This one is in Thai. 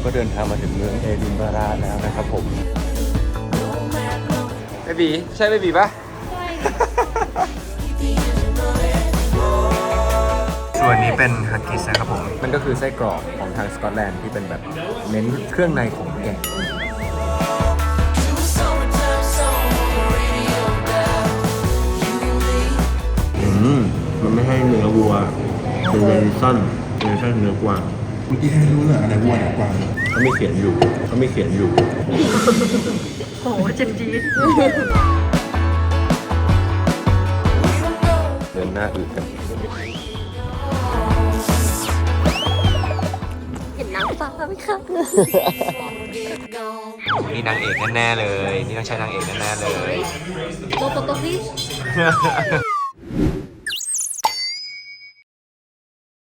ก็เดินทางมาถึงเมืองเอดินบะระแล้วนะครับผมเบบีใช่เบบีปะส่วนนี้เป็นฮักกิสนะครับผม มันก็คือไส้กรอกของทางสกอตแลนด์ที่เป็นแบบเน้นเครื่องในของแกะมันไม่ให้เนื้อวัวเป็นเวอร์ชันเนื้อกวางเมื่อกี้ให้รู้เลยอะไรวัวไหนกวางเขาไม่เขียนอยู่โอ้เจ็บจี๊ดเดินหน้าอืดกันเห็นนางฟ้าไหมคะนี่นางเอกแน่ๆเลย นี่ต้องใช่นางเอกแน่ๆเลยโมโตโตฟิช